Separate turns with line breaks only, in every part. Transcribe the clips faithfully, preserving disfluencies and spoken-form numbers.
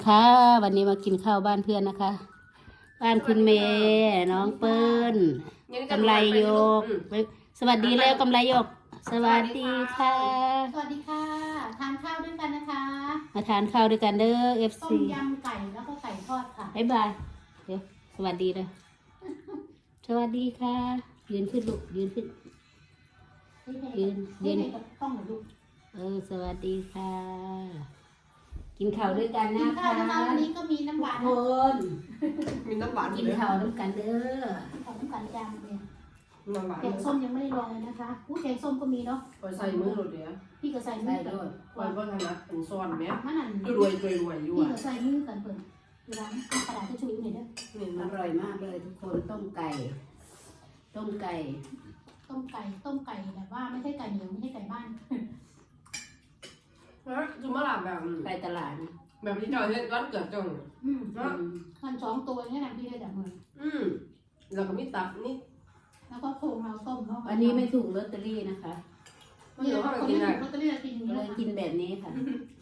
ค่ะวันนี้มากินข้าวบ้านเพื่อนนะคะ บ้านคุณเมย์น้องเปิ้ลกำไรโยกสวัสดีแล้วกำไรโยกสวัสดีค่ะ
สวัสดีค่ะทานข้าวด้วยกันนะคะ
มาทานข้าวด้วยกันเด้อเอฟ
ต้
ซี
มยำไก่แล้วก็ไก่ทอดค่ะ
บ๊ายบายเดี๋ยวสวัสดีเลยสวัสดีค่ะยืนขึ้นลูกยืนขึ้นยืนยืน
ต้องหน่อยลูก
เออสวัสดีค่ะ กินข้าวด้วยกันนะ
คะวันนี้ก็มีน้ำหวาน
ทุกคน
มีน้ำหวาน
กินข้าวด้วยกันเด้อ
ของน้ำกันจามเลย
น้ำหวาน
แกงส้มยังไม่ได้ลองเลยนะคะอู้แกงส้มก็มีเนาะ
คอยใส่มือหลุดเดียว
พี่ก็ใส่มือกัน
คอยว่าถนัดเป็นซ้อนไหม
มันนั่น
รวยรวยรวยอยู่
พี่ก็ใส่มือกันเปิดเวลากระดาษจะช่วยหน่อยเด้
ออร่อยมากเลยทุกคนต้มไก่ ต้มไก่
ต้มไก่ต้มไก่แบบว่าไม่ใช่ไก่เหนียวไม่ใช่ไก่บ้าน
นะจุ่มมะลาแบบ
ไก่ตลาด
แบบที่เราเห็นร้านเกิดจัง
อืมมันสองตัวนี่นะพี่ได้จากมือ
อืมแล้วก็มีตับนี่
แล้วก็โครงเราต้มเนาะ
อันนี้ไม่ถูกลอตเตอรี่นะคะ
เดี๋ยวคนที่ถูกลอตเตอรี่กิน
เลยกินแบบนี้ค่ะ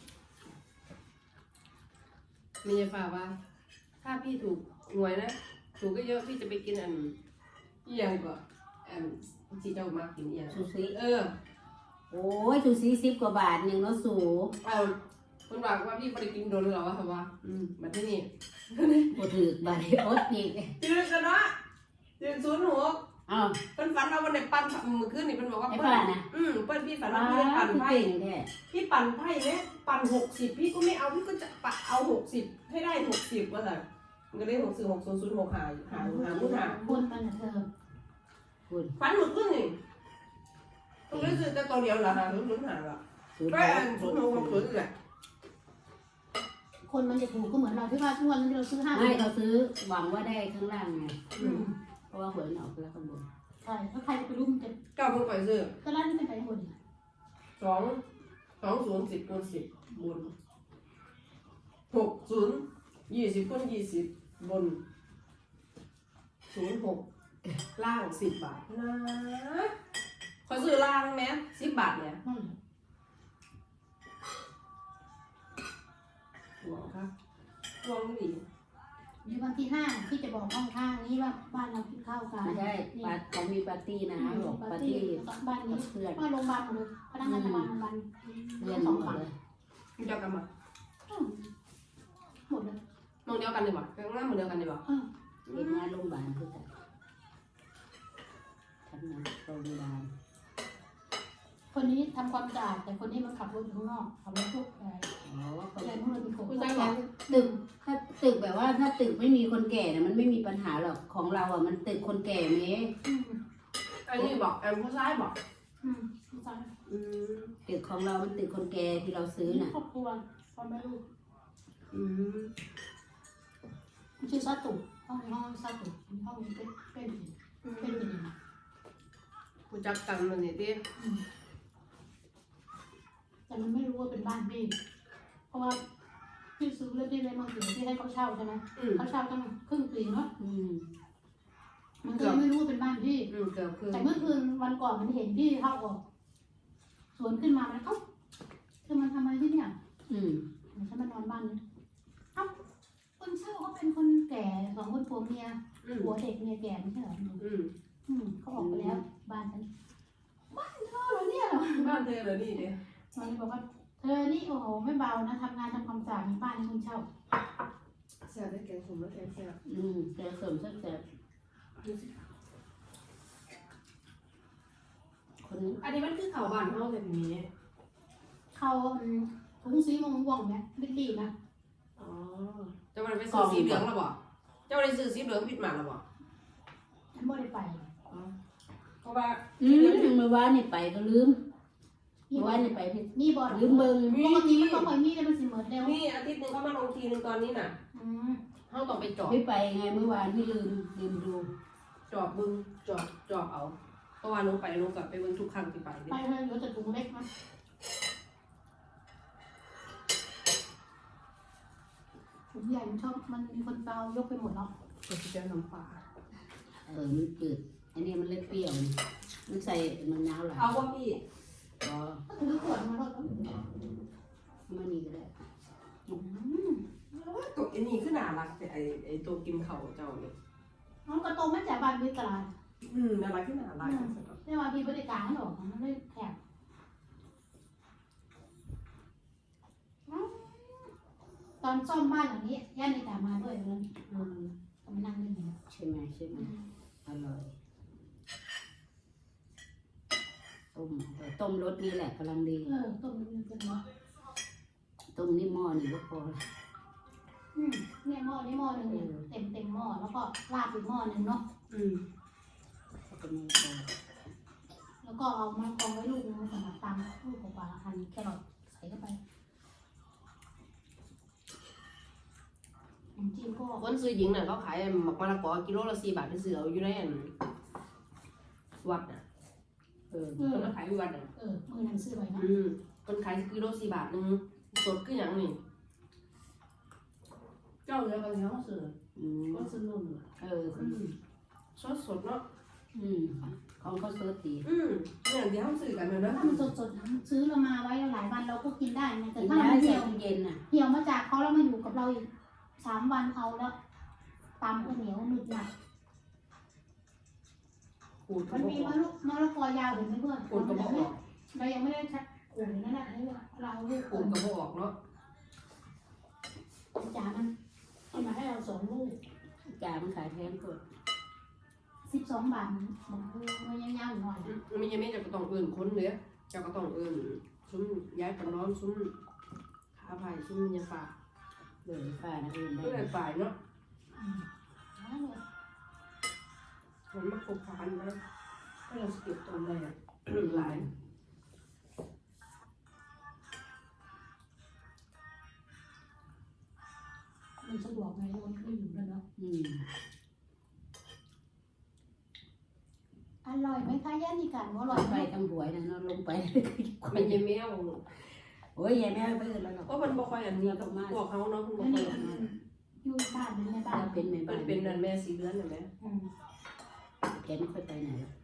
มีฝากว่าถ้าพี่ถูกหวยนะถูกก็เยอะพี่จะไปกินอันเอียงก่อนอันที่เจ้ามากินเอียง
ซูชิ
เออ
โอ้ยซูชิสิบกว่าบาทหนึ่งแล้วสู
เอาคุณบอกว่าพี่ไปกินโดนหรอวะวะอืมมาที่นี่
ปวดถือบาดอดอีก
จืดกันเนาะจืดศูนย์หัว
อ้าว
เป็นฝันว่าวันไหนปั่นมือขึ้นนี่เป็นบอกว่า
เปิ้ลนะ
อืมเปิ้ลพี่ฝันว่าพี่ปั่นไพ่พี่ปั่นไพ่เนี่ยปั่นหกสิบพี่ก็ไม่เอาพี่ก็จะปัดเอาหกสิบให้ได้หกสิบว่าแต่มันก็ได้หกสิบหกศูนย์ศูนย์หกหาหาหามุดหา
บนมันเธอ
ฝันมือขึ้นนี่ต้องรู้สึกจะตัวเดียวเหรอฮะลุ้นลุ้นหาเหรอก็อันศูนย์หกหกศูนย์แหละ
คนมันจะถูกก็เหมือนเราที่ว่าทุกวันนี้เราซื้อห้า
ไม่เราซื้อหวังว่าได้ข้างล่างไงเพราะว่าหวยออกแล้วข้างบน
ใช่ถ้าใครไปรุ่มจะ
เก้าคนไปซื้อ
ก็ลั่นขึ้นไปบน
สองสองศูนย์สิบคูณสิบบนหกศูนย์ยี่สิบคูณยี่สิบบนศูนย์หกล่างสิบบาทนะขอซื้อล่างไหมสิบบาทเนี่ยหัวครับหัวไม่ดี
ในวันที่ห้าที่จะบอกห้องข้างนี้ว่าบ้านเรากินข้าวกัน
ใช่ปาเขามีปาร์ตี้นะบอกปาร์ตี้
บ้านนี้เพื่อนว่าโรงพยาบาลหมดเลยพนักงานโรงพยาบาลโรงพยาบาล
เรียนสองฝั่งเลย
คุณจะกันมา
หมดเลย
มองเดียวกันเลยบ่งานเหมือนเดียวกันเลยบ่
เรียนงานโรงพยาบาลคือกันทำงานโรงพยาบาล
คนนี้ทำความสะอาดแต่คนนี้มันขับรถอยู่ข้างนอกขับรถทุกอะไร
อ๋อเขา
เลยมันเป็นคน
ตึกถ้าตึกแบบว่าถ้าตึกไม่มีคนแก่เนี่ยมันไม่มีปัญหาหรอกของเราอ่ะมันตึกคนแก่ไหม
อันนี้บอกแอมผู้ชายบอก
อืมผู้ชาย
อืมตึกของเรามันตึกคนแก่ที่เราซื้อน่ะ
ครอบครัวพ่อแม่ลูก
อืม
ชื่อซาตุห้องห้องซาตุห้องเป็นเป็นเป็นเป็นยังไง
กูจักกันมันนี่ดิ
แต่มันไม่รู้ว่าเป็นบ้านพี่เพราะว่าพี่ซื้อแล้วพี่เลยมาถึงที่ให้เขาเช่าใช่ไหมเขาเช่าตั้งครึ่งปีเนาะมันก็ไม่รู้ว่าเป็นบ้านพี่แต่เมื่อคืนวันก่อนมันเห็นพี่เข้าออกสวนขึ้นมาแล้วเขาเธอมาทำอะไรที่เนี่ย
อืม
ฉันมานอนบ้านนี้เอ้าคนเช่าเขาเป็นคนแก่สองคนผัวเมียผัวเด็กเมียแก่ไม่ใช่เหรออืมอืมเขาออกไปแล้วบ้านฉันบ้านเธอเหรอเนี่ยเหรอ
บ้านเธอเหรอนี่เดีย
มันบอกว่าเธอนี่โอ้โหไม่เบานะทำงานทำความสะอาดในบ้านให้คนเช่า
แซ่บได้แกงสมแล้วแกงแซ่บ
อืมแกงสมแซ่บ
คนอันนี้มันคือเขาบ้านเฮาแบบนี้
เขาถุงสีม่วงๆเนี่ยรีบๆนะ
อ๋อจะมาไปซื้อสีเหลืองหรอบ่จะมาไปซื้อสีเหลืองผิดหมากหรอบ่
ฉันไม่ได้ไป
เพราะว่า
อืมเมื่อวานนี่ไปก็ลืมเมื่อวานนี่ไปพี่
มีบอล
ลืมเบิ่ง
ปกติมันต้องไปมีแต่มันสิเหมือนเดิม
นี่อาทิตย์นึงเขามาลงทีนึงตอนนี้น่ะ
อืม
เฮาต้องไปจอบ
ไม่ไปไงเมื่อวานพี่ลืมลืมดู
จอบบึงจอบจอบเอาเพราะว่าลงไปลงกับไปเบิ่งทุกครั้งที่ไป
ไปเลยเหลือแต่ถุงเล็กมั้ยถุงใหญ่มันชอบมันมีคนเบายกไปหมดแล้ว
ก็จะเจอน้ำปลา
เออมันจืดอันนี้มันเล็กเปรี้ยวมันใส่มันน้าวหลาย
เอาว่าพี่
อ๋อ
ถือขวดมาแล้ว
มันนี่ก็ได้
อืม
อ้นี่คือน่ารักแต่ไอ้ไอ้ตัวกินเขาเจ้าเนี่ย
น้องกระโตไม่จ่ายบ้านวิตลาด
อืมน่ารักคือน่ารัก
ไม่ว่าพี่บริการหรอกมันไม่แคบตอนซ่อมบ้านหลังนี้ย่าในตามาด้วยเลย
อืม
ก็มานั่งเล่นอยู่
ใช่ไหมใช่ไหมอร่อยต้มเออต้มรสนี่แหละกำลังดี
เออต้มมันเป็นเนาะ
ต้มนี่หม้อนี่ก็พอละ
อืมเนี่ยหม้อนี่หม้อหนึ่งเนี่ยเต็มเต็มหม้อแล้วก็ราดอีกหม้อหนึ่งเนาะ
อืม
ก็ไม่พอ
แล้วก็เอามากองไว้ลูกนึงสำหรับตำลูกกว่าๆอันแครอทใส่เข้าไปน้ำจิ้มก็
คนซื้อหญิงน่ะเขาขายหมักมะละกอกิโลละสี่บาทไปซื้อเอาอยู่ในอันวัดน่ะเออคนมาขายอยู่วัดน่ะ
เออมือนั้นซื้อไว้เนาะ
อืมคนขายกิโลสี่บาทหนึงสดคือหยังนี่เจ้าเรือกันเขาซื้อ
อืม
ก็ซื้อนุ่มน่ะ
เออ
อืมสดสดเนาะ
อืมของเขาเสิร์ฟดี
อืมเนี่ยเดี๋ยวเขาซื้อกันเลยนะ
ถ้ามันสดๆซื้อเรามาไว้หลายวันเราก็กินได้ไงแต่
กิน
ถ้า
ได้
มัน
ใส่
เหี่ยว
ตู้เย็นน่ะ
เหี่ยวมาจากเขาแล้วมาอยู่กับเราอีกสามวันเอาแล้วตำก็เหนียวหนึบหนัก
ขูดกระ
มัน
บอก
มีมะละมะละกอยาวเห็นไหมเพื่อน
ขูดกระบอกออก
เรายังไม่ได้ชักขูดนั่นแหละให้เราลูก
ขูดกระบอกออกเนาะ
จ๋ามันเอามาให้เราสองลูก
จ่ามันขายแพงกว่า
สิบสองบาทมันมันยาวๆหน่อย
อืมมันยังไม่จะก็ต้องเอื่นคนเลยจะก็ต้องเอื่นซุ้มย้ายปนร้อนซุ้มขาไผ่ซุ้มยาป่า
เลยป้านะเอื่นได้
ก็เลยฝ่ายเนาะ
อืมเอาเลย
มันมาคบค้านนะก็เราสกิปตรงไหนอ่ะหลาย
มันสะดวกไงมันไม่อยู่แล้วเนาะ
อืม
อร่อยไหมคะย่านี่กันว่าอร่อย
ไป
ไหม
ทั้งหวยนะเนอนลงไป
มันยังไม่เอา
โอ้ยยายแม่ไม่อื่นแล้วหรอก
ก็มันบ่ค่อยอันนี้กับพวกเขาเนาะมันบ่
อัน
ค่อ
นี้
ยอันนี้
อยู่บ้านเป็นในบ้า
ป้าน เป็นแม่
มั
บ้าน น
เป็นนั่นแม่สีเดือนน่ะแม่
อืม
แกไม่ค่อยไปไหนหรอก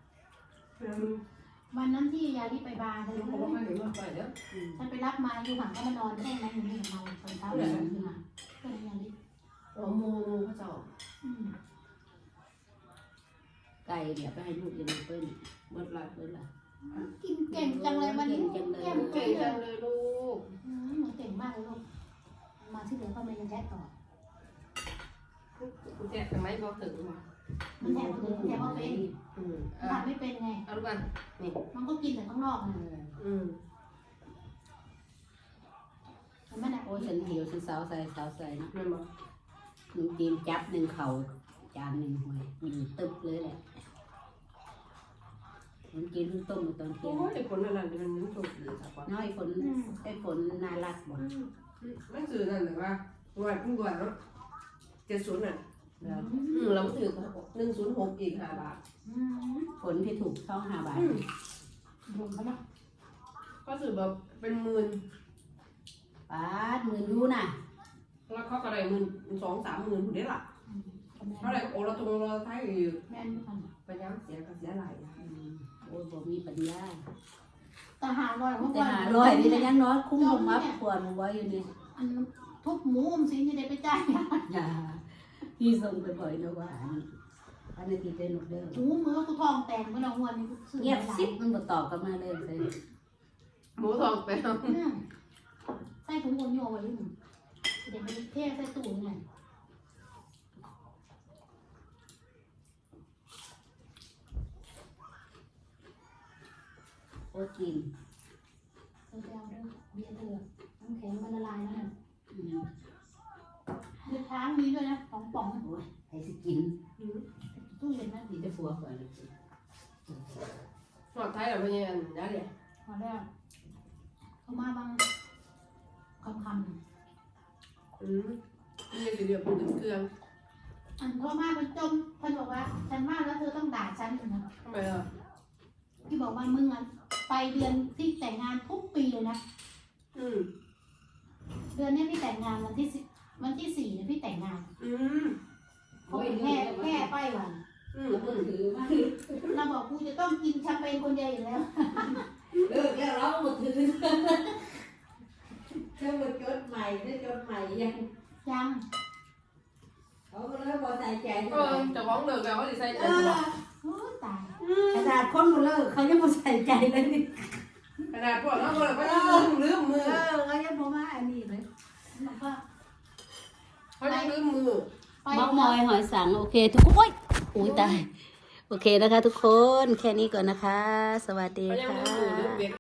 วันนั้นที่ยาที่ไปบาร์เธอ
มันบ่ค่อยเห็นมันไปเด้อ
อืม
ฉันไปรับมาอยู่ห่างก็มานอนแค่นั้นอยู่นี่กับเราตอนเช้าเลยขึ้นมาก็เลยยาลิ
อ๋อโมโมเขาเจ้า
อืม
ไก่เดี๋ยวไปให้ลูกยังเปิ้ล
เบิดหลาย
เปิ้ลละ
กินเก่งจังเลยวันนี้
เก่งจังเลย
แก้ม
เก่
เก่
ง
ง
จั
เล
ง
ย
เลยลูก
อืมหนูเก่งมากเลยลูกมาที่เหลือก็ไม่ยังแท้ต่อ
คุณแจ๊ทำไมบ่ถึงว่ะ
มันแทบไม่เป็นแทบไม่เป็น
อืมอ่ะ
ทำไม่เป็นไง
เอาลูกกันนี่
มันก็กินแต่ข้างนอก
เอ
นะ
อ
อืม
มันไม่หนัก
โอ้ยฉันหิวฉันสาวใส่สาวใส่นะ
แม่นบ่
หนุ่มจีนจับหนึ่งเข่าจานหนึ่งหวยมีตึบเลยแหละมันกินเพิ่งต้มมาตอนเที่
โอ้
ยง
ยไอ้คนนั้นน่ะมันมันถูกดีสักว่า
น้อยฝนไอ้ฝนน่ารักบ่
มันสื่อนั่นแหละว่าว่าเพิ่งว่าเนาะเจ็ดศูนย์น่ะ
แล้ว
อืมเราถือหนึ่งศูนย์หกอีกห้าบาท
อืม
ฝนที่ถูกช่องห้าบาท
อืม
รวมเขาเนาะ
ก็ถือแบบเป็นหมื่น
ป้าดหมื่นยูน่ะ
แล้วเขาก็ได้หมื่นสองสามหมื่นคนนี้ล่ะ
อืมก็แม่น
เท่าไหร่โอ้เราตรงเราไทยอยู่
แม่นกัน
ไปย้ำเสียก็เสียหลาย
อืมโอ้ยบ่มีปัญญา
แต่หาลอยเมื่อ
แต่
วาน
หาร้อยนี่ก็ยังน้อยคุ้มผมมับขวดไว้อยู่นี่
อันทุบหมูอมสินจะได้ไปจ่าย
อย่าพี่ส่งไปบ่อยนะว่าอันนี้อันนี้ที่เป็นหนุกเด้อ
หมูมือกูทองแต่งเมื่อเราวันนี้ซื้อ
เงียบซิบมันบ่ตอบกลับมาเลยเลย
หมูทองไปเอา
อืมใส่ถุงโอนโยไว้อยู่เดี๋ยวไปเทใส่ตู้ไง
โอ้กิน
เธอไปเอาเด้อเบียร์เธอน้ำแข็งมันละลายแล้วเนี่ย
อืม
เลือดช้างมีด้วยนะสองป่อง
โอ้ยใครสิกิน
ตู้เย็นนะ
มีแต่ผัวก่อน
หอดไทยแบบนี้อันนี้เลย
พอแล้วเขามาบางคำค
อืมนี่สิเดียวพูดถึงเครื่อง
ำอันเขามาเป็นจมคนบอกว่าฉันมาแล้วเธอต้องด่าฉันนะ
ทำไมอ่ะ
พี่บอกว่ามึงอ่ะไปเดือนที่แต่งงานทุกปีเลยนะ
อืม
เดือนนี้พี่แต่งงานวันที่สิวันที่สี่เนี่ยพี่แต่งงาน
อืม
เขาแค่แค่ไปวัน
อืม
แล้ว
อื
ก็
ม
ถือมา
เราบอกกูจะต้องกินแชมเปญคนเดียวอยู่แล้ว
เลิกแล้วเราหมดถือเจ้าหมดจดใหม่ได้จดใหม่ยัง
ยยัง
เขาก็เลยพอใจใจ
เออจะฟ้องเลิกแล้วว่าสิใส่ใจ
เอ
บ่
อ
โอ้ตาย
ขนาดคนมาเลิกเขายังพอใจใจเลยนี่
ขนาดพวกเราก็เลยก็ลืมลืมมื
เอ
อ
อเขายังบอกว่าอันนี้เลย
แล้วก็
เขาจะลืมมือ
ไป
มอกมอยหอยสังโอเคทุกคนโอ้ยอุ้ยตายโอเคนะคะ ทุกคนแค่นี้ก่อนนะคะ สวัสดี
เขายัง
ค่
ลืมมือลืม
ะ
เบ็ด